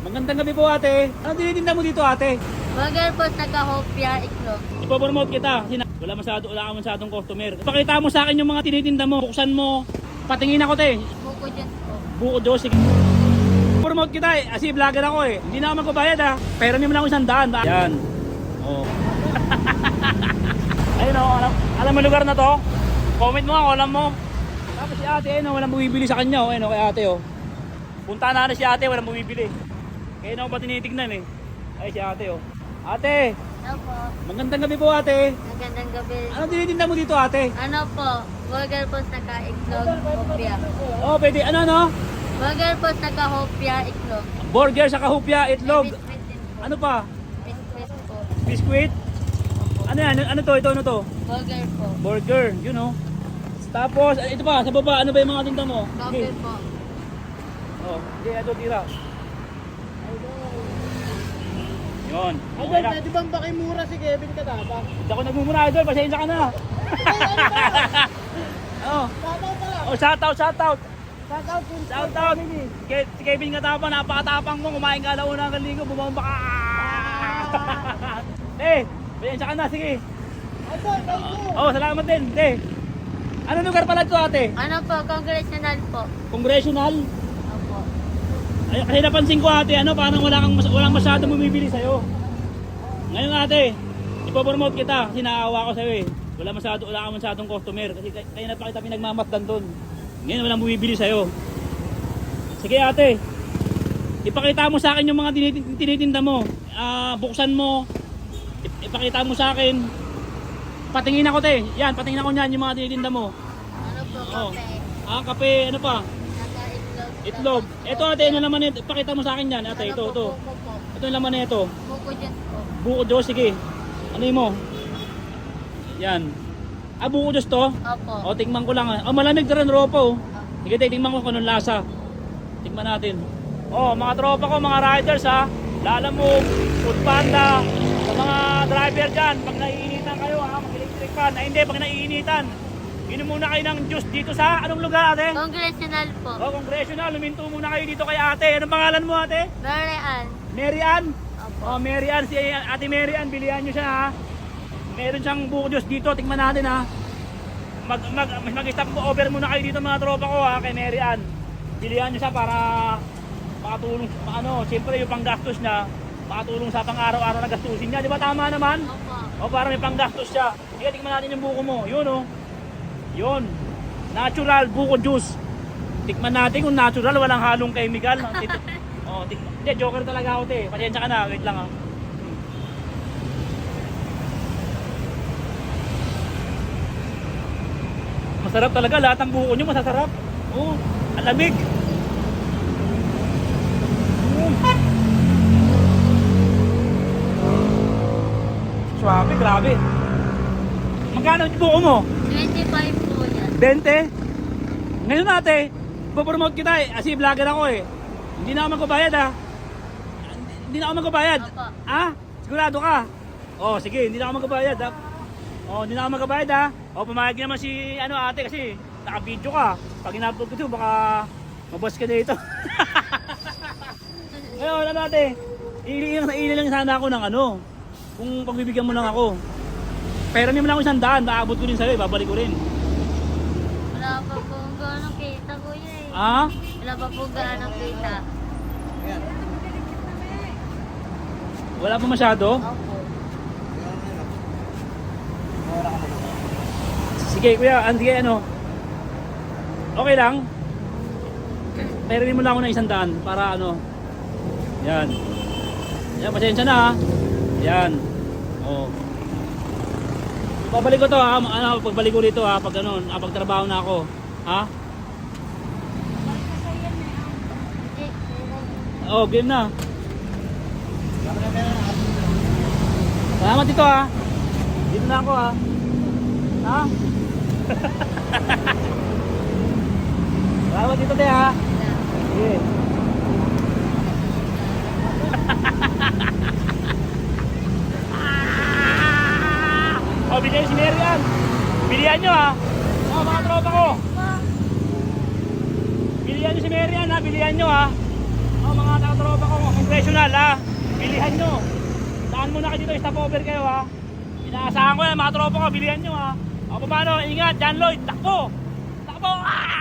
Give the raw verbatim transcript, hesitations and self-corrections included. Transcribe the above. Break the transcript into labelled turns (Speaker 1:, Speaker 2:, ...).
Speaker 1: Magandang gabi po ate. Ano tinitinda mo dito ate?
Speaker 2: Burger po sa Kahopya, Iklog.
Speaker 1: Ipopromote kita. Sina wala masyado, wala ka masyadong customer. Ipakita mo sa akin yung mga tinitinda mo. Buksan mo. Patingin ako te.
Speaker 2: Buko dyan po.
Speaker 1: Buko Diyos. Sige. Promote kita eh. Kasi vlogger ako eh. Hindi na ako magbabayad ha. Pero may lang ako isang daan. Yan. Oh. Ayun o. Alam, alam mo lugar na to? Comment mo ako. Alam mo. Tapos si ate ayun o. Walang bumibili sa kanya o. Ayun o kay ate o. Punta na na si ate. Walang bumibili. Kaya na ako ba tinitignan eh. Ay si ate o. Ate.
Speaker 2: Ano po?
Speaker 1: Magandang gabi po ate.
Speaker 2: Magandang gabi.
Speaker 1: Ano tinitinda mo dito ate?
Speaker 2: Ano po? Burger po sa Ka-Iklog, Hopya.
Speaker 1: Oh pwede. Ano no?
Speaker 2: Burger po sa Kahopya, Iklog.
Speaker 1: Burger sa kahupya. Itlog.
Speaker 2: Biscuit din po.
Speaker 1: Ano pa?
Speaker 2: Biscuit po.
Speaker 1: Biscuit. Ano yan? Ano to? Ito ano to?
Speaker 2: Burger po.
Speaker 1: Burger. You know. Tapos ito pa. Sa baba. Ano ba yung mga tinda mo?
Speaker 2: Coffee
Speaker 1: Okay.
Speaker 2: po.
Speaker 1: Oh. Hindi. Ito tira. Yun.
Speaker 3: Idol,
Speaker 1: Okay na.
Speaker 3: pwede bang pakimura si Kevin Katapa?
Speaker 1: Hindi ako nagmumura idol. Pasensya ka na. Oh.
Speaker 3: Shoutout pala!
Speaker 1: Oh, shout out, shout out.
Speaker 3: Shoutout po!
Speaker 1: Shout out. Ke- Si Kevin Katapa, napakatapang mo. Kumain ka alauna ng linggo, bumamba ka. Eh, pasensya ka na, sige.
Speaker 3: Idol, thank you!
Speaker 1: Oh, salamat din. Eh. Ano lugar pala ito ate?
Speaker 2: Ano po? Congressional po.
Speaker 1: Congressional?
Speaker 2: Opo.
Speaker 1: Ay, kasi napansin ko ate, ano, parang wala kang mas- walang masyadong bumibili sa'yo. Ngayon ate, ipopromote kita kasi naawa ko sa'yo eh. Wala masyado, wala kang masyadong customer kasi kay- kaya na pa kita pinagmamasdan doon. Ngayon walang bumibili sa'yo. Sige ate, ipakita mo sa akin yung mga tinitin- tinitinda mo. Ah, buksan mo, ip- ipakita mo sa akin. Patingin ako te, yan, patingin ako niyan yung mga tinitinda mo.
Speaker 2: Ano po?
Speaker 1: Oh.
Speaker 2: Kape.
Speaker 1: Ah, kape, ano pa?
Speaker 2: Sa Ka-Iklog.
Speaker 1: Itlog. Ito ate, ano naman ito? Ipakita mo sa akin yan ate,
Speaker 2: Ano
Speaker 1: ito,
Speaker 2: po?
Speaker 1: ito.
Speaker 2: Buko po.
Speaker 1: Ito yung laman na ito.
Speaker 2: Buko dyan po.
Speaker 1: Buko Diyos, sige. Ano yun mo? Yan. Ah, buko Diyos to?
Speaker 2: Opo.
Speaker 1: O, tingnan ko lang. ah. Oh, malamig na rin ropa oh. Sige, tingnan ko kung anong lasa. Tingnan natin. Oh, mga tropa ko, mga riders ha. Lalamove, Food Panda, sa mga driver dyan, pag naiinitan kayo ha, mag-electric fan. Ay hindi, pag naiinitan, inom muna kayo ng juice dito sa, anong lugar ate?
Speaker 2: Congressional po.
Speaker 1: Oh, Congressional, luminto muna kayo dito kay ate. Anong pangalan mo ate?
Speaker 2: Mary Ann.
Speaker 1: Mary Ann?
Speaker 2: Opo.
Speaker 1: Oh, Mary Ann, si Ate Mary Ann, bilihan nyo siya ha. Meron siyang buko Diyos dito, tingnan natin ha. Mag, mag, mag-stop over muna kayo dito mga tropa ko ha, kay Mary Ann. Bilihan nyo siya para makatulong, ano, siyempre yung panggastos niya, makatulong sa pang-araw-araw na gastusin niya. Di ba tama naman?
Speaker 2: Opo.
Speaker 1: O para may panggastos siya. Sige, tingnan natin yung buko mo. Yun oh. Yun. Natural buko juice. Tikman natin kung natural, walang halong chemical. Oh, tik hindi, joker talaga ako te. Pasensya ka na, wait lang ah. Masarap talaga, lahat ng buko nyo masasarap. Oh, ang lamig. Mm. Swabe, grabe. Magkano yung buko mo?
Speaker 2: twenty-five po yan.
Speaker 1: twenty? Ngayon ate, ipopromote kita eh. Kasi vlogger ako eh. Hindi na ako magbabayad ha. Hindi na ako magbabayad.
Speaker 2: Opo.
Speaker 1: Ha? Sigurado ka? Oh, sige, hindi na ako magbabayad ha. Oh, hindi na ako magbabayad ha. Oh, pumayag naman si ano ate kasi naka-video ka. Pag in-upload ko ito, baka maboss ka dito. Ngayon, ano ate? Iilang sa iilang sana ako ng ano. Kung pagbibigyan mo lang ako. Pero may mo lang ako isang daan, maabot ko din sa'yo, babalik ko rin.
Speaker 2: Wala pa po gano'ng kita, kuya eh.
Speaker 1: Ah?
Speaker 2: Wala pa po gano'ng kita.
Speaker 1: Wala pa masyado?
Speaker 2: Opo.
Speaker 1: Sige kuya, hindi ano. Okay lang. Pero mo lang ako ng isang daan para ano. Yan. Yan, pasensya na ha. Yan. Oh. Babalik ko to ha. Ano, pagbalik ko dito ha. Pag ano, napagtrabaho na ako. Ha? Oh, game na. Salamat dito ha. Dito na ako ha. Ha? Salamat dito te ha. Sige. Oh, bilihan si Mary Ann. Bilihan nyo ha. Oh, mga tropa ko. Bilihan nyo si Mary Ann ha. Bilihan nyo ha. Oh, mga tropa ko. Congrats. mahal ha. Bilihan nyo. Saan muna kayo dito, stop over kayo ha. Inaasahan ko yan, mga tropa ko, bilihan nyo ha. O paano, ingat, John Lloyd, takbo! Takbo! Ah!